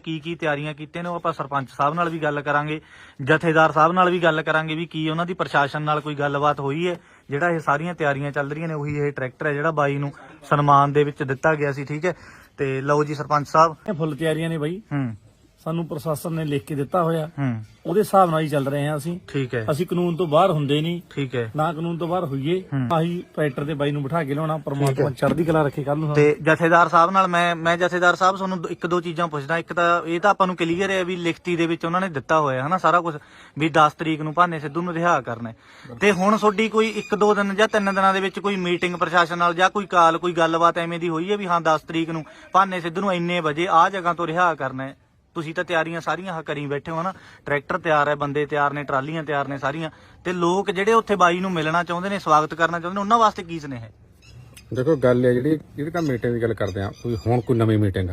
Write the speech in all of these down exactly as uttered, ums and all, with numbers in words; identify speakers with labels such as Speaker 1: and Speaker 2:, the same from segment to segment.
Speaker 1: ਕੀ ਕੀ ਤਿਆਰੀਆਂ ਕੀਤੀਆਂ ਨੇ ਉਹ ਆਪਾਂ ਸਰਪੰਚ ਸਾਹਿਬ ਨਾਲ ਵੀ ਗੱਲ ਕਰਾਂਗੇ, ਜਥੇਦਾਰ ਸਾਹਿਬ ਨਾਲ ਵੀ ਗੱਲ ਕਰਾਂਗੇ ਵੀ ਕੀ ਉਹਨਾਂ ਦੀ ਪ੍ਰਸ਼ਾਸਨ ਨਾਲ ਕੋਈ ਗੱਲਬਾਤ ਹੋਈ ਹੈ। ਜਿਹੜਾ ਇਹ ਸਾਰੀਆਂ ਤਿਆਰੀਆਂ ਚੱਲ ਰਹੀਆਂ ਨੇ ਉਹੀ ਇਹ ਟਰੈਕਟਰ ਹੈ ਜਿਹੜਾ ਬਾਈ ਨੂੰ ਸਨਮਾਨ ਦੇ ਵਿੱਚ ਦਿੱਤਾ ਗਿਆ ਸੀ। ਠੀਕ ਹੈ, ਤੇ ਲਓ ਜੀ ਸਰਪੰਚ ਸਾਹਿਬ,
Speaker 2: ਫੁੱਲ ਤਿਆਰੀਆਂ ਨੇ ਬਾਈ,
Speaker 1: ਹੂੰ
Speaker 2: ਸਾਨੂੰ ਪ੍ਰਸ਼ਾਸਨ ਨੇ ਲਿਖ ਕੇ ਦਿੱਤਾ ਹੋਇਆ,
Speaker 1: ਹੂੰ
Speaker 2: ਉਹਦੇ ਹਿਸਾਬ ਨਾਲ ਹੀ ਚੱਲ ਰਹੇ ਹਾਂ ਅਸੀਂ।
Speaker 1: ਠੀਕ ਹੈ,
Speaker 2: ਅਸੀਂ ਕਾਨੂੰਨ ਤੋਂ ਬਾਹਰ ਹੁੰਦੇ ਨਹੀਂ,
Speaker 1: ਠੀਕ ਹੈ,
Speaker 2: ਨਾ ਕਾਨੂੰਨ ਤੋਂ ਬਾਹਰ ਹੋਈਏ।
Speaker 1: ਹੂੰ।
Speaker 2: ਆਹੀ ਟਰੈਕਟਰ ਦੇ ਬਾਈ ਨੂੰ ਬਿਠਾ ਕੇ ਲਿਆਉਣਾ, ਪਰਮਾਤਮਾ ਚੜ੍ਹਦੀ ਕਲਾ ਰੱਖੇ ਕੱਲ ਨੂੰ।
Speaker 1: ਤੇ ਜਥੇਦਾਰ ਸਾਹਿਬ ਨਾਲ ਮੈਂ ਮੈਂ ਜਥੇਦਾਰ ਸਾਹਿਬ ਤੁਹਾਨੂੰ ਦੋ- ਇੱਕ ਦੋ ਚੀਜ਼ਾਂ ਪੁੱਛਦਾ। ਇੱਕ ਤਾਂ ਇਹ ਤਾਂ ਆਪਾਂ ਨੂੰ ਕਲੀਅਰ ਹੈ ਵੀ ਲਿਖਤੀ ਦੇ ਵਿੱਚ ਉਹਨਾਂ ਨੇ ਦਿੱਤਾ ਹੋਇਆ ਹਨਾ ਸਾਰਾ ਕੁਝ ਵੀ ਦਸ ਤਰੀਕ ਨੂੰ ਭਾਨੇ ਸਿੱਧੂ ਨੂੰ ਰਿਹਾ ਕਰਨਾ ਹੈ। ਤੇ ਹੁਣ ਤੁਹਾਡੀ ਕੋਈ ਇੱਕ ਦੋ ਦਿਨ ਜਾਂ ਤਿੰਨ ਦਿਨਾਂ ਦੇ ਵਿੱਚ ਕੋਈ ਮੀਟਿੰਗ ਪ੍ਰਸ਼ਾਸਨ ਨਾਲ ਜਾਂ ਕੋਈ ਕਾਲ ਕੋਈ ਗੱਲਬਾਤ ਐਵੇਂ ਦੀ ਹੋਈ ਹੈ ਵੀ ਹਾਂ ਦਸ ਤਰੀਕ ਨੂੰ ਭਾਨੇ ਸਿੱਧੂ ਨੂੰ ਇੰਨੇ ਵਜੇ ਆਹ ਜਗ੍ਹਾ ਤੋਂ ਰਿਹਾ ਕਰਨਾ ਹੈ? ਤੁਸੀਂ ਤਾਂ ਤਿਆਰੀਆਂ ਸਾਰੀਆਂ ਕਰੀ ਬੈਠੇ ਹੋ ਨਾ, ਟਰੈਕਟਰ ਤਿਆਰ ਹੈ, ਬੰਦੇ ਤਿਆਰ ਨੇ, ਟਰਾਲੀਆਂ ਤਿਆਰ ਨੇ ਸਾਰੀਆਂ, ਤੇ ਲੋਕ ਜਿਹੜੇ ਉੱਥੇ ਬਾਈ ਨੂੰ ਮਿਲਣਾ ਚਾਹੁੰਦੇ ਨੇ, ਸਵਾਗਤ ਕਰਨਾ ਚਾਹੁੰਦੇ ਨੇ, ਉਹਨਾਂ ਵਾਸਤੇ ਕੀ ਸੁਨੇਹਾ ਹੈ?
Speaker 3: ਦੇਖੋ ਗੱਲ ਹੈ ਜਿਹੜੀ ਜਿਹੜੀ ਤਾਂ ਮੀਟਿੰਗ ਦੀ ਗੱਲ ਕਰਦੇ ਆ, ਕੋਈ ਹੁਣ ਕੋਈ ਨਵੀਂ ਮੀਟਿੰਗ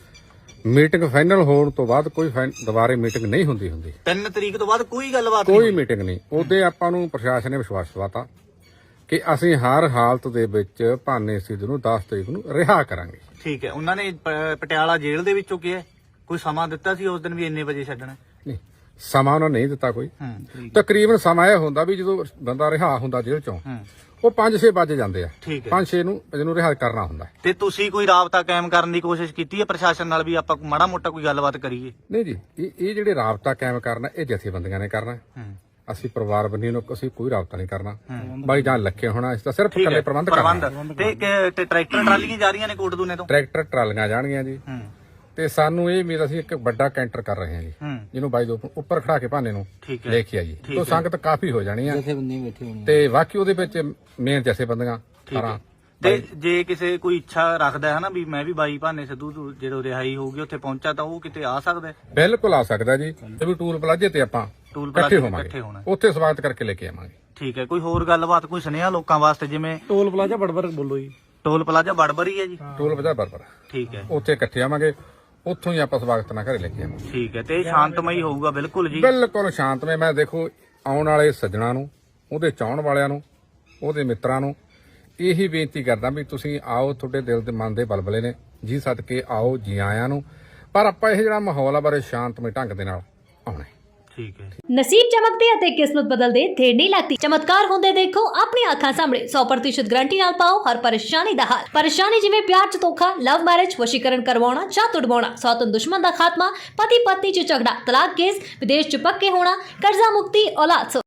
Speaker 3: ਮੀਟਿੰਗ ਫਾਈਨਲ ਹੋਣ ਤੋਂ ਬਾਅਦ ਕੋਈ ਦੁਬਾਰੇ ਮੀਟਿੰਗ ਨਹੀਂ ਹੁੰਦੀ ਹੁੰਦੀ
Speaker 1: ਤਿੰਨ ਤਰੀਕ ਤੋਂ ਬਾਅਦ ਕੋਈ ਗੱਲਬਾਤ
Speaker 3: ਕੋਈ ਮੀਟਿੰਗ ਨਹੀਂ। ਉਹਦੇ ਆਪਾਂ ਨੂੰ ਪ੍ਰਸ਼ਾਸਨ ਨੇ ਵਿਸ਼ਵਾਸ ਦਿਵਾਤਾ ਕਿ ਅਸੀਂ ਹਰ ਹਾਲਤ ਦੇ ਵਿੱਚ ਭਾਨੇ ਸਿੱਧੂ ਨੂੰ ਦਸ ਤਰੀਕ ਨੂੰ ਰਿਹਾ ਕਰਾਂਗੇ।
Speaker 1: ਠੀਕ ਹੈ, ਉਹਨਾਂ ਨੇ ਪ- ਪਟਿਆਲਾ ਜੇਲ੍ਹ ਦੇ ਵਿੱਚੋਂ ਕਿਹਾ ਕੋਈ ਸਮਾਂ ਦਿੱਤਾ ਸੀ ਉਸ ਦਿਨ ਵੀ ਇੰਨੇ ਵਜੇ ਛੱਡਣਾ?
Speaker 3: ਨਹੀਂ, ਸਮਾਂ ਉਹਨਾਂ ਨੇ ਨਹੀਂ ਦਿੱਤਾ ਕੋਈ।
Speaker 1: ਹੂੰ
Speaker 3: ਤਕਰੀਬਨ ਸਮਾਂ ਇਹ ਹੁੰਦਾ ਵੀ ਜਦੋਂ ਬੰਦਾ ਰਿਹਾ ਹੁੰਦਾ ਜੇਲ੍ਹ ਚੋਂ
Speaker 1: ਹੂੰ
Speaker 3: ਉਹ ਪੰਜ ਛੇ ਵਜੇ ਜਾਂਦੇ ਆ,
Speaker 1: ਠੀਕ ਹੈ।
Speaker 3: ਪੰਜ ਛੇ ਨੂੰ ਇਹਨੂੰ ਰਿਹਾ ਕਰਨਾ ਹੁੰਦਾ।
Speaker 1: ਤੇ ਤੁਸੀਂ ਕੋਈ ਰਾਬਤਾ ਕਾਇਮ ਕਰਨ ਦੀ ਕੋਸ਼ਿਸ਼ ਕੀਤੀ ਹੈ ਪ੍ਰਸ਼ਾਸਨ ਨਾਲ ਵੀ ਆਪਾਂ ਮਾੜਾ ਮੋਟਾ ਕੋਈ ਗੱਲਬਾਤ ਕਰੀਏ?
Speaker 3: ਨਹੀਂ ਜੀ, ਇਹ ਇਹ ਜਿਹੜੇ ਰਾਬਤਾ ਕਾਇਮ ਕਰਨਾ ਇਹ ਜਥੇਬੰਦੀਆਂ ਨੇ ਕਰਨਾ।
Speaker 1: ਹੂੰ
Speaker 3: ਅਸੀਂ ਪਰਿਵਾਰ ਬੰਨੀ ਨੂੰ ਅਸੀਂ ਕੋਈ ਰਾਬਤਾ ਨਹੀਂ ਕਰਨਾ। ਬਾਈ ਜਾਨ ਲੱਖੇ ਹੋਣਾ, ਇਸ ਦਾ ਸਿਰਫ
Speaker 1: ਠੀਕ
Speaker 3: ਇਕੱਲੇ
Speaker 1: ਹੈ,
Speaker 3: ਪ੍ਰਬੰਧ ਕਰਨਾ।
Speaker 1: ਪ੍ਰਬੰਧ ਤੇ ਕਿ- ਤੇ ਟਰੈਕਟਰ ਟਰਾਲੀਆਂ ਜਾ ਰਹੀਆਂ ਨੇ ਕੋਟਦੂਨੇ ਤੋਂ?
Speaker 3: ਟਰੈਕਟਰ ਟਰਾਲੀਆਂ ਜਾਣਗੀਆਂ ਜੀ,
Speaker 1: ਹੂੰ
Speaker 3: ਤੇ ਸਾਨੂੰ ਇਹ ਉਮੀਦ ਅਸੀਂ ਇੱਕ ਵੱਡਾ ਕੈਂਟਰ ਕਰ ਰਹੇ ਹਾਂ ਜੀ,
Speaker 1: ਹੂੰ
Speaker 3: ਜਿਹਨੂੰ ਬਾਈ ਦੇ ਉੱਪਰ ਖੜਾ ਕੇ ਭਾਨੇ ਨੂੰ
Speaker 1: ਠੀਕ ਹੈ,
Speaker 3: ਲੈ ਕੇ ਆਈਏ।
Speaker 1: ਠੀਕ
Speaker 3: ਤੋਂ
Speaker 1: ਹੈ।
Speaker 3: ਸੰਗਤ ਕਾਫੀ ਹੋ ਜਾਣੀ ਆ ਤੇ ਬਾਕੀ ਉਹਦੇ ਵਿੱਚ ਮੇਨ ਜੈਸੇ ਬੰਦੀਆਂ ਸਾਰਾ।
Speaker 1: ਤੇ ਜੇ ਕਿਸੇ ਕੋਈ ਇੱਛਾ ਰੱਖਦਾ ਹੈ ਨਾ ਵੀ ਮੈਂ ਵੀ ਬਾਈ ਭਾਨੇ ਸਿੱਧੂ ਤੋਂ ਜਦੋਂ ਰਿਹਾਈ ਹੋਊਗੀ ਉੱਥੇ ਪਹੁੰਚਾ ਤਾਂ ਉਹ ਕਿਤੇ ਆ ਸਕਦਾ ਹੈ?
Speaker 3: ਬਿਲਕੁਲ ਆ ਸਕਦਾ ਜੀ, ਤੇ ਵੀ ਟੂਲ ਪਲਾਜੇ ਤੇ ਆਪਾਂ
Speaker 1: ਟੂਲ
Speaker 3: ਇਕੱਠੇ
Speaker 1: ਪਲਾਜ਼ੇ ਤੇ
Speaker 3: ਹੋਵਾਂਗੇ,
Speaker 1: ਇਕੱਠੇ ਹੋਣਾ।
Speaker 3: ਉੱਥੇ ਸਵਾਗਤ ਕਰਕੇ ਲੈ ਕੇ ਆਵਾਂਗੇ।
Speaker 1: ਠੀਕ ਹੈ, ਕੋਈ ਹੋਰ ਗੱਲਬਾਤ ਕੋਈ ਸੁਨੇਹਾ ਲੋਕਾਂ ਵਾਸਤੇ? ਜਿਵੇਂ
Speaker 2: ਟੋਲ ਪਲਾਜ਼ਾ ਬੜਬੜ ਬੋਲੋ ਜੀ।
Speaker 1: ਟੋਲ ਪਲਾਜ਼ਾ ਬੜਬਰੀ ਹੈ ਜੀ?
Speaker 3: ਟੂਲ ਪਲਾਜਾ ਬਰਬਰ
Speaker 1: ਠੀਕ ਹੈ,
Speaker 3: ਉੱਥੇ ਇਕੱਠੇ ਆਵਾਂਗੇ, ਉੱਥੋਂ ਹੀ ਆਪਾਂ ਸਵਾਗਤ ਨਾਲ ਘਰੇ ਲੈ ਕੇ ਆਵਾਂਗੇ।
Speaker 1: ਠੀਕ ਹੈ, ਤੇ ਇਹ ਸ਼ਾਂਤਮਈ ਹੋਊਗਾ ਬਿਲਕੁਲ ਜੀ?
Speaker 3: ਬਿਲਕੁਲ ਸ਼ਾਂਤਮਈ। ਮੈਂ ਦੇਖੋ ਆਉਣ ਵਾਲੇ ਸੱਜਣਾ ਨੂੰ, ਉਹਦੇ ਚਾਹਣ ਵਾਲਿਆਂ ਨੂੰ, ਉਹਦੇ ਮਿੱਤਰਾਂ ਨੂੰ ਇਹੀ ਬੇਨਤੀ ਕਰਦਾ ਵੀ ਤੁਸੀਂ ਆਓ, ਤੁਹਾਡੇ ਦਿਲ ਦੇ ਮਨ ਦੇ ਬਲਬਲੇ ਨੇ ਜੀ, ਸਦਕੇ ਆਓ, ਜੀ ਆਇਆਂ ਨੂੰ। ਪਰ ਆਪਾਂ ਇਹ ਜਿਹੜਾ ਮਾਹੌਲ ਆ ਬਾਰੇ ਸ਼ਾਂਤਮਈ ਢੰਗ ਦੇ ਨਾਲ ਆਉਣਾ ਹੈ।
Speaker 1: ਠੀਕ ਹੈ।
Speaker 4: ਨਸੀਬ ਚਮਕਦੇ ਅਤੇ ਕਿਸਮਤ ਬਦਲਦੇ ਦੇਰ ਨਹੀਂ ਲੱਗਦੀ। ਚਮਤਕਾਰ ਹੁੰਦੇ ਦੇਖੋ ਆਪਣੀ ਅੱਖਾਂ ਸਾਹਮਣੇ। ਸੌ ਪ੍ਰਤੀਸ਼ਤ ਗਾਰੰਟੀ ਨਾਲ ਪਾਓ ਹਰ ਪਰੇਸ਼ਾਨੀ ਦਾ ਹੱਲ। ਪਰੇਸ਼ਾਨੀ ਜਿਵੇਂ ਪਿਆਰ ਚ ਧੋਖਾ, ਲਵ ਮੈਰਿਜ, ਵਸ਼ੀਕਰਨ ਕਰਵਾਉਣਾ ਜਾਂ ਤੁੜਵਾਉਣਾ, ਸੌਤਨ ਦੁਸ਼ਮਣ ਦਾ ਖਾਤਮਾ, ਪਤੀ ਪਤਨੀ ਚ ਝਗੜਾ, ਤਲਾਕ ਕੇਸ, ਵਿਦੇਸ਼ ਚ ਪੱਕੇ ਹੋਣਾ, ਕਰਜ਼ਾ ਮੁਕਤੀ, ਔਲਾਦ